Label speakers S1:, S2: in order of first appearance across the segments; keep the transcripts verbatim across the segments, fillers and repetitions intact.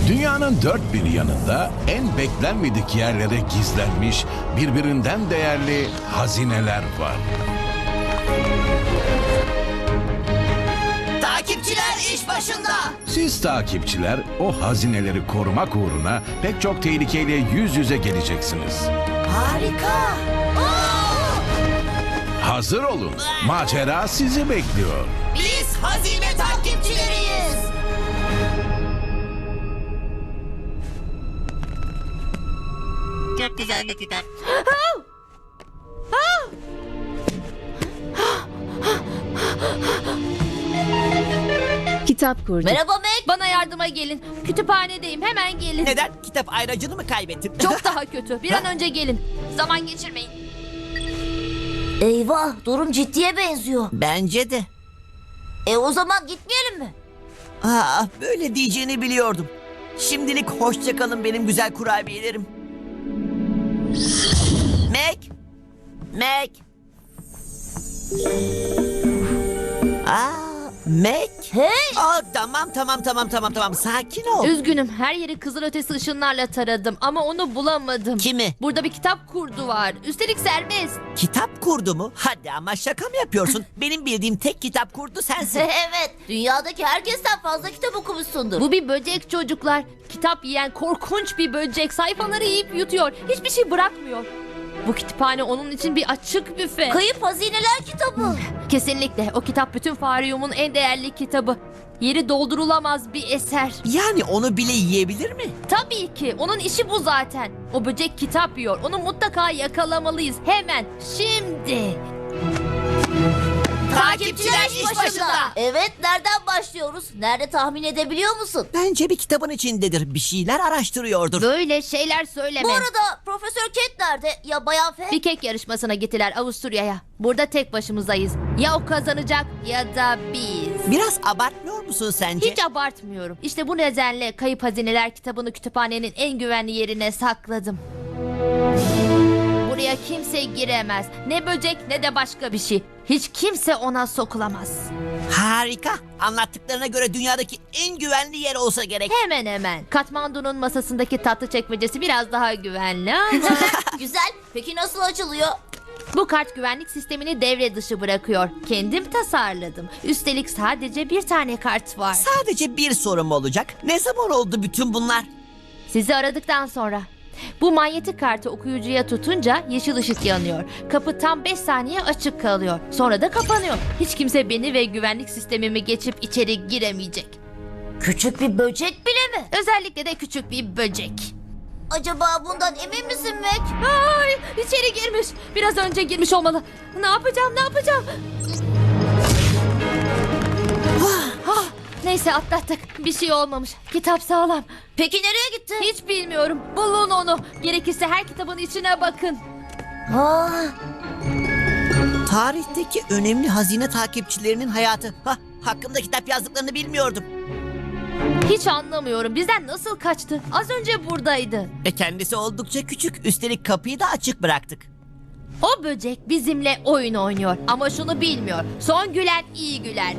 S1: Dünyanın dört bir yanında en beklenmedik yerlere gizlenmiş birbirinden değerli hazineler var.
S2: Takipçiler iş başında.
S1: Siz takipçiler o hazineleri korumak uğruna pek çok tehlikeyle yüz yüze geleceksiniz.
S2: Harika.
S1: Hazır olun. Macera sizi bekliyor.
S2: Biz hazine takipçileriyiz.
S3: Çok güzel bir kitap.
S4: Kitap kurdu.
S2: Merhaba Meg.
S5: Bana yardıma gelin. Kütüphanedeyim. Hemen gelin.
S6: Neden? Kitap ayracını mı kaybettin?
S5: Çok daha kötü. Bir an önce gelin. Zaman geçirmeyin.
S2: Eyvah, durum ciddiye benziyor.
S6: Bence de.
S2: E o zaman gitmeyelim mi?
S6: Aa, böyle diyeceğini biliyordum. Şimdilik hoşça kalın benim güzel kurabiyelerim. Meg! Meg! Aa, Meg!
S2: Hey!
S6: Aa, tamam tamam tamam tamam tamam sakin ol.
S5: Üzgünüm. Her yeri kızılötesi ışınlarla taradım ama onu bulamadım.
S6: Kimi?
S5: Burada bir kitap kurdu var. Üstelik serbest.
S6: Kitap kurdu mu? Hadi ama şaka mı yapıyorsun? Benim bildiğim tek kitap kurdu sensin.
S2: Evet, dünyadaki herkesten fazla kitap okumuşsundur.
S5: Bu bir böcek çocuklar. Kitap yiyen korkunç bir böcek. Sayfaları yiyip yutuyor. Hiçbir şey bırakmıyor. Bu kütüphane onun için bir açık büfe.
S2: Kayıp Hazineler kitabı.
S5: Kesinlikle. O kitap bütün Faryum'un en değerli kitabı. Yeri doldurulamaz bir eser.
S6: Yani onu bile yiyebilir mi?
S5: Tabii ki. Onun işi bu zaten. O böcek kitap yiyor. Onu mutlaka yakalamalıyız. Hemen. Şimdi.
S2: Takipçiler iş başında. Evet, nereden başlıyoruz? Nerede tahmin edebiliyor musun?
S6: Bence bir kitabın içindedir. Bir şeyler araştırıyordur.
S5: Böyle şeyler söyleme.
S2: Bu arada Profesör Kent nerede? Ya Bayan F?
S5: Bir kek yarışmasına gittiler Avusturya'ya. Burada tek başımızdayız. Ya o kazanacak ya da biz.
S6: Biraz abartmıyor musun sence?
S5: Hiç abartmıyorum. İşte bu nedenle Kayıp Hazineler kitabını kütüphanenin en güvenli yerine sakladım. Buraya kimse giremez. Ne böcek ne de başka bir şey. Hiç kimse ona sokulamaz.
S6: Harika. Anlattıklarına göre dünyadaki en güvenli yer olsa gerek.
S5: Hemen hemen. Katmandu'nun masasındaki tatlı çekmecesi biraz daha güvenli ama
S2: Güzel. Peki nasıl açılıyor?
S5: bu kart güvenlik sistemini devre dışı bırakıyor. Kendim tasarladım. Üstelik sadece bir tane kart var.
S6: Sadece bir sorum olacak. Ne zaman oldu bütün bunlar?
S5: Sizi aradıktan sonra. Bu manyetik kartı okuyucuya tutunca yeşil ışık yanıyor. Kapı tam beş saniye açık kalıyor. Sonra da kapanıyor. Hiç kimse beni ve güvenlik sistemimi geçip içeri giremeyecek.
S2: Küçük bir böcek bile mi?
S5: Özellikle de küçük bir böcek.
S2: Acaba bundan emin misin Meg?
S5: Ay, içeri girmiş. Biraz önce girmiş olmalı. Ne yapacağım, ne yapacağım? Ah, neyse atlattık. Bir şey olmamış. Kitap sağlam.
S2: Peki nereye gitti?
S5: Hiç bilmiyorum. Bulun onu. Gerekirse her kitabın içine bakın.
S2: Aa,
S6: Tarihteki önemli hazine takipçilerinin hayatı. Ha, hakkında kitap yazdıklarını bilmiyordum.
S5: Hiç anlamıyorum. Bizden nasıl kaçtı? Az önce buradaydı.
S6: Ve kendisi oldukça küçük. Üstelik kapıyı da açık bıraktık.
S5: O böcek bizimle oyun oynuyor. Ama şunu bilmiyor. Son gülen iyi güler.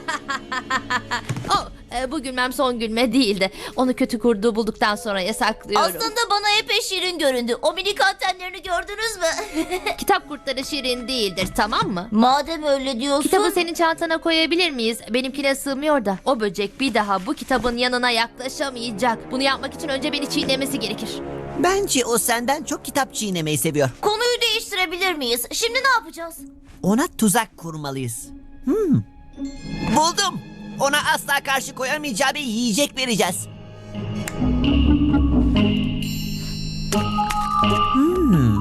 S5: oh, e, bu gülmem son gülme değildi. Onu kötü kurduğu bulduktan sonra yasaklıyorum.
S2: aslında bana epey şirin göründü. O minik antenlerini gördünüz mü?
S5: Kitap kurtları şirin değildir, tamam mı?
S2: Madem öyle diyorsun.
S5: Kitabı senin çantana koyabilir miyiz? Benimkine sığmıyor da. O böcek bir daha bu kitabın yanına yaklaşamayacak. Bunu yapmak için önce beni çiğnemesi gerekir.
S6: Bence o senden çok kitap çiğnemeyi seviyor.
S2: Konuyu değiştirebilir miyiz? Şimdi ne yapacağız?
S6: Ona tuzak kurmalıyız. Hmm. Buldum. Ona asla karşı koyamayacağı bir yiyecek vereceğiz. Hmm.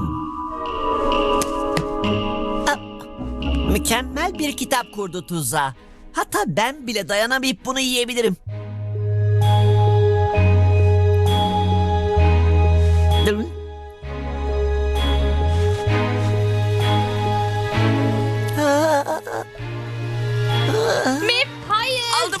S6: Ah, mükemmel bir kitap kurdu tuzağa. Hatta ben bile dayanamayıp bunu yiyebilirim. Dur.
S5: Mip, hayır.
S6: Aldım.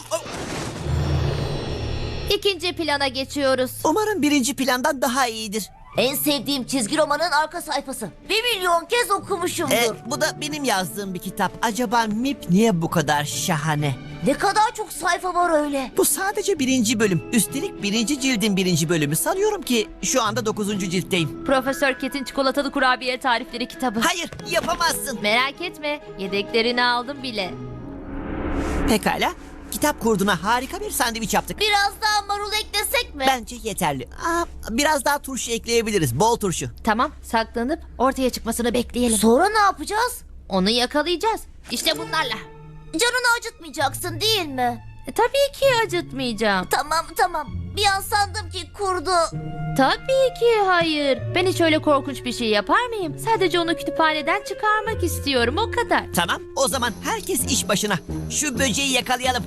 S5: İkinci plana geçiyoruz.
S6: Umarım birinci plandan daha iyidir.
S2: En sevdiğim çizgi romanın arka sayfası. Bir milyon kez okumuşumdur.
S6: E, bu da benim yazdığım bir kitap. Acaba Mip niye bu kadar şahane?
S2: Ne kadar çok sayfa var öyle.
S6: Bu sadece birinci bölüm. Üstelik birinci cildin birinci bölümü. Sanıyorum ki şu anda dokuzuncu ciltteyim.
S5: Profesör Ket'in çikolatalı kurabiye tarifleri kitabı.
S6: Hayır, yapamazsın.
S5: Merak etme, yedeklerini aldım bile.
S6: Pekala. Kitap kurduna harika bir sandviç yaptık.
S2: Biraz daha marul eklesek mi?
S6: Bence yeterli. Aa, biraz daha turşu ekleyebiliriz. Bol turşu.
S5: Tamam, saklanıp ortaya çıkmasını bekleyelim.
S2: Sonra ne yapacağız?
S5: Onu yakalayacağız. İşte bunlarla.
S2: Canını acıtmayacaksın değil mi?
S5: E, tabii ki acıtmayacağım.
S2: Tamam tamam. Bir an sandım ki kurdu.
S5: Tabii ki hayır. Ben hiç öyle korkunç bir şey yapar mıyım? Sadece onu kütüphaneden çıkarmak istiyorum, o kadar.
S6: Tamam, o zaman herkes iş başına. Şu böceği yakalayalım.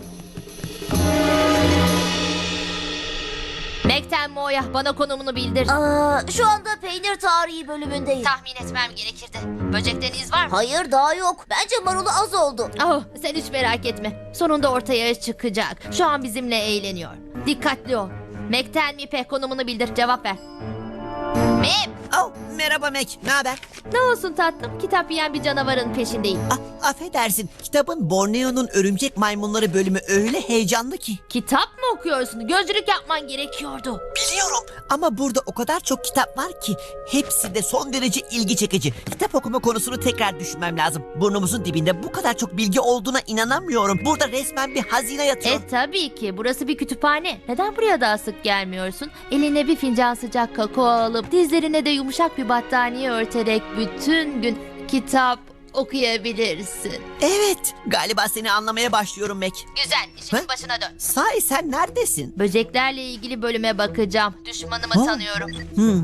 S5: Mekten Moya, bana konumunu bildir.
S2: Aa, şu anda peynir tarihi bölümündeyiz.
S5: Tahmin etmem gerekirdi. Böcekten iz var mı?
S2: Hayır daha yok. Bence marulu az oldu.
S5: Oh, sen hiç merak etme. Sonunda ortaya çıkacak. Şu an bizimle eğleniyor. Dikkatli ol. Mekten Mipe, konumunu bildir. Cevap ver. Mip!
S6: Oh, merhaba Mac, ne haber?
S5: Ne olsun tatlım? Kitap yiyen bir canavarın peşindeyim.
S6: Ah, affedersin, kitabın Borneo'nun örümcek maymunları bölümü öyle heyecanlı ki.
S5: Kitap mı okuyorsun? Gözlük yapman gerekiyordu.
S6: Biliyorum ama burada o kadar çok kitap var ki hepsi de son derece ilgi çekici. Kitap okuma konusunu tekrar düşünmem lazım. Burnumuzun dibinde bu kadar çok bilgi olduğuna inanamıyorum. Burada resmen bir hazine yatıyor.
S5: E tabii ki. Burası bir kütüphane. Neden buraya daha sık gelmiyorsun? Eline bir fincan sıcak kakao alıp dizlerine de yumuşak bir battaniye örterek bütün gün kitap okuyabilirsin.
S6: Evet, galiba seni anlamaya başlıyorum Mac.
S5: Güzel. İşinin
S6: Ha?
S5: başına dön.
S6: Sahi sen neredesin?
S5: Böceklerle ilgili bölüme bakacağım. Düşmanımı
S6: Ha?
S5: tanıyorum.
S6: Hmm.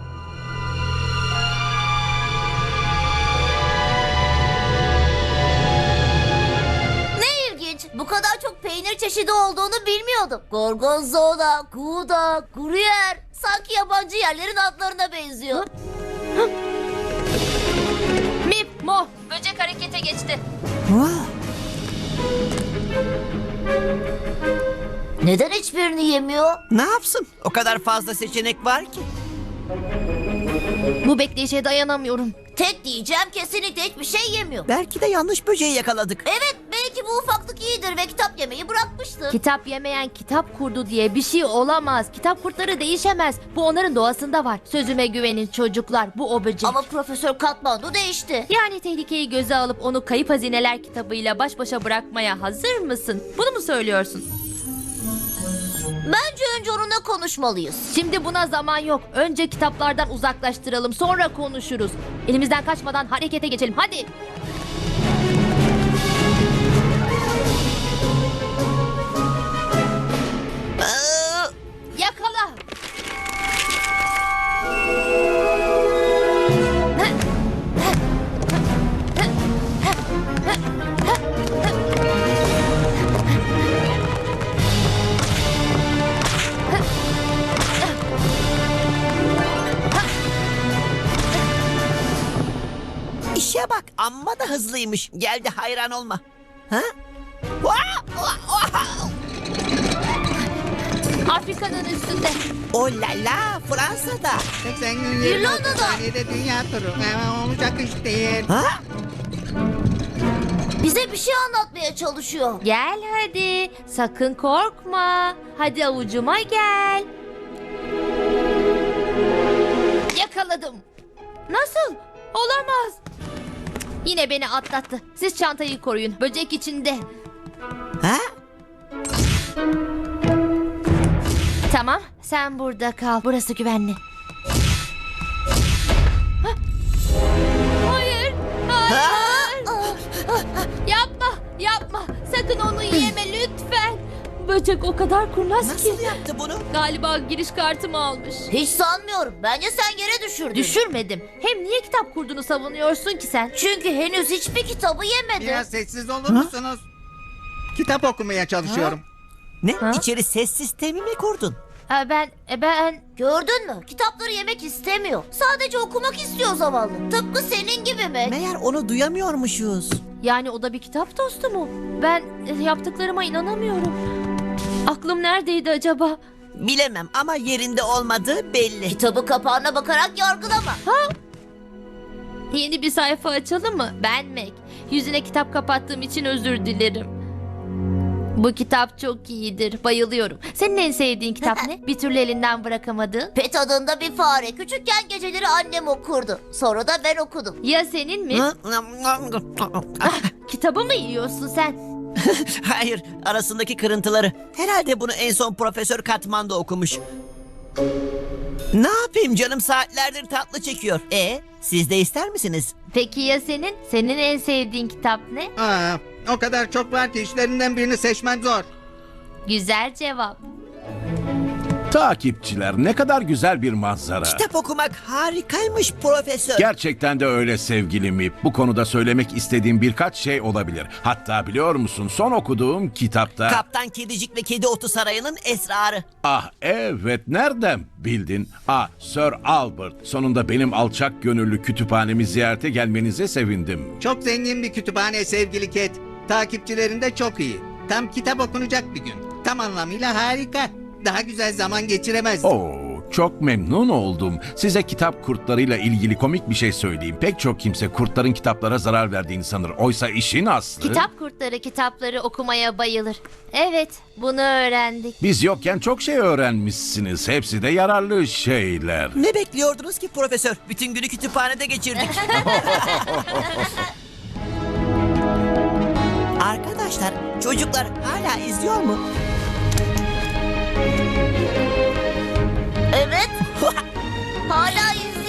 S2: Ne ilginç. Bu kadar çok peynir çeşidi olduğunu bilmiyordum. Gorgonzola, Gouda, Gruyère. Sanki yabancı yerlerin adlarına benziyor.
S5: Mip, Mo, böcek harekete geçti.
S6: Wow.
S2: Neden hiçbirini yemiyor?
S6: Ne yapsın? O kadar fazla seçenek var ki.
S5: Bu bekleyişe dayanamıyorum.
S2: Tek diyeceğim kesinlikle hiçbir şey yemiyor.
S6: Belki de yanlış böceği yakaladık.
S2: Evet belki bu ufaklık iyidir ve kitap yemeyi bırakmıştır.
S5: Kitap yemeyen kitap kurdu diye bir şey olamaz. Kitap kurtları değişemez. Bu onların doğasında var. Sözüme güvenin çocuklar. Bu o böcek.
S2: Ama Profesör Katmandu değişti.
S5: Yani tehlikeyi göze alıp onu Kayıp Hazineler kitabıyla baş başa bırakmaya hazır mısın? Bunu mu söylüyorsun?
S2: Bence önce onunla konuşmalıyız.
S5: Şimdi buna zaman yok. Önce kitaplardan uzaklaştıralım. Sonra konuşuruz. Elimizden kaçmadan harekete geçelim. Hadi.
S6: Aa,
S5: Yakala.
S6: işe bak, amma da hızlıymış. Geldi, hayran olma. Ha? Vaa! Vaa! Vaa!
S5: Afrika'nın üstünde.
S6: Oh la la, Fransa'da.
S4: seksen gün yirmi
S2: İrlanda'da.
S4: otuz saniyede dünya turu. Hemen olacak iş değil.
S6: Ha?
S2: Bize bir şey anlatmaya çalışıyor.
S5: Gel hadi. Sakın korkma. Hadi avucuma gel. Yakaladım. Nasıl? Olamaz. Yine beni atlattı. Siz çantayı koruyun. Böcek içinde.
S6: Ha?
S5: Tamam. Sen burada kal. Burası güvenli. Hah. Hayır. Hayır. Yapma. Yapma. Sakın onu yeme lütfen. Böcek o kadar kurnaz ki.
S6: Nasıl yaptı bunu?
S5: Galiba giriş kartımı almış.
S2: Hiç sanmıyorum. Bence sen yere düşürdün.
S5: Düşürmedim. Hem niye kitap kurduğunu savunuyorsun ki sen?
S2: Çünkü henüz hiçbir kitabı yemedi.
S4: Biraz sessiz olur musunuz? Kitap okumaya çalışıyorum.
S6: Ne?
S5: Ha?
S6: İçeri ses sistemi mi kurdun?
S5: Aa, ben e, ben
S2: Gördün mü? Kitapları yemek istemiyor. Sadece okumak istiyor zavallı. Tıpkı senin gibi mi?
S6: Meğer onu duyamıyormuşuz.
S5: yani o da bir kitap dostu mu? Ben e, yaptıklarıma inanamıyorum. Aklım neredeydi acaba?
S6: Bilemem ama yerinde olmadığı belli.
S2: Kitabı kapağına bakarak yargılama.
S5: Yeni bir sayfa açalım mı? Ben Mac. Yüzüne kitap kapattığım için özür dilerim. Bu kitap çok iyidir. Bayılıyorum. Senin en sevdiğin kitap ne? Bir türlü elinden bırakamadığın.
S2: Pet adında bir fare. Küçükken geceleri annem okurdu. Sonra da ben okudum.
S5: Ya senin mi? Kitabı mı yiyorsun sen?
S6: Hayır, arasındaki kırıntıları. Herhalde bunu en son Profesör Katman da okumuş. Ne yapayım canım, saatlerdir tatlı çekiyor. E, siz de ister misiniz?
S5: Peki ya senin? Senin en sevdiğin kitap ne?
S4: Aa, o kadar çok var ki işlerinden birini seçmen zor.
S5: Güzel cevap.
S1: Takipçiler, ne kadar güzel bir manzara.
S6: Kitap okumak harikaymış Profesör.
S1: Gerçekten de öyle sevgili Mip. Bu konuda söylemek istediğim birkaç şey olabilir. Hatta biliyor musun, son okuduğum kitapta...
S6: Kaptan Kedicik ve Kedi Otu Sarayı'nın esrarı.
S1: Ah evet, nereden bildin? Ah, Sir Albert, sonunda benim alçak gönüllü kütüphanemi ziyarete gelmenize sevindim.
S4: Çok zengin bir kütüphane sevgili Cat. Takipçilerin de çok iyi. Tam kitap okunacak bir gün. Tam anlamıyla harika. Daha güzel zaman geçiremezdim.
S1: Oo, çok memnun oldum. Size kitap kurtlarıyla ilgili komik bir şey söyleyeyim. Pek çok kimse kurtların kitaplara zarar verdiğini sanır. Oysa işin aslı...
S5: Kitap kurtları kitapları okumaya bayılır. Evet, bunu öğrendik.
S1: Biz yokken çok şey öğrenmişsiniz. Hepsi de yararlı şeyler.
S6: Ne bekliyordunuz ki Profesör? Bütün günü kütüphanede geçirdik. Arkadaşlar, çocuklar hala izliyor mu?
S2: Evet. Hala izliyor.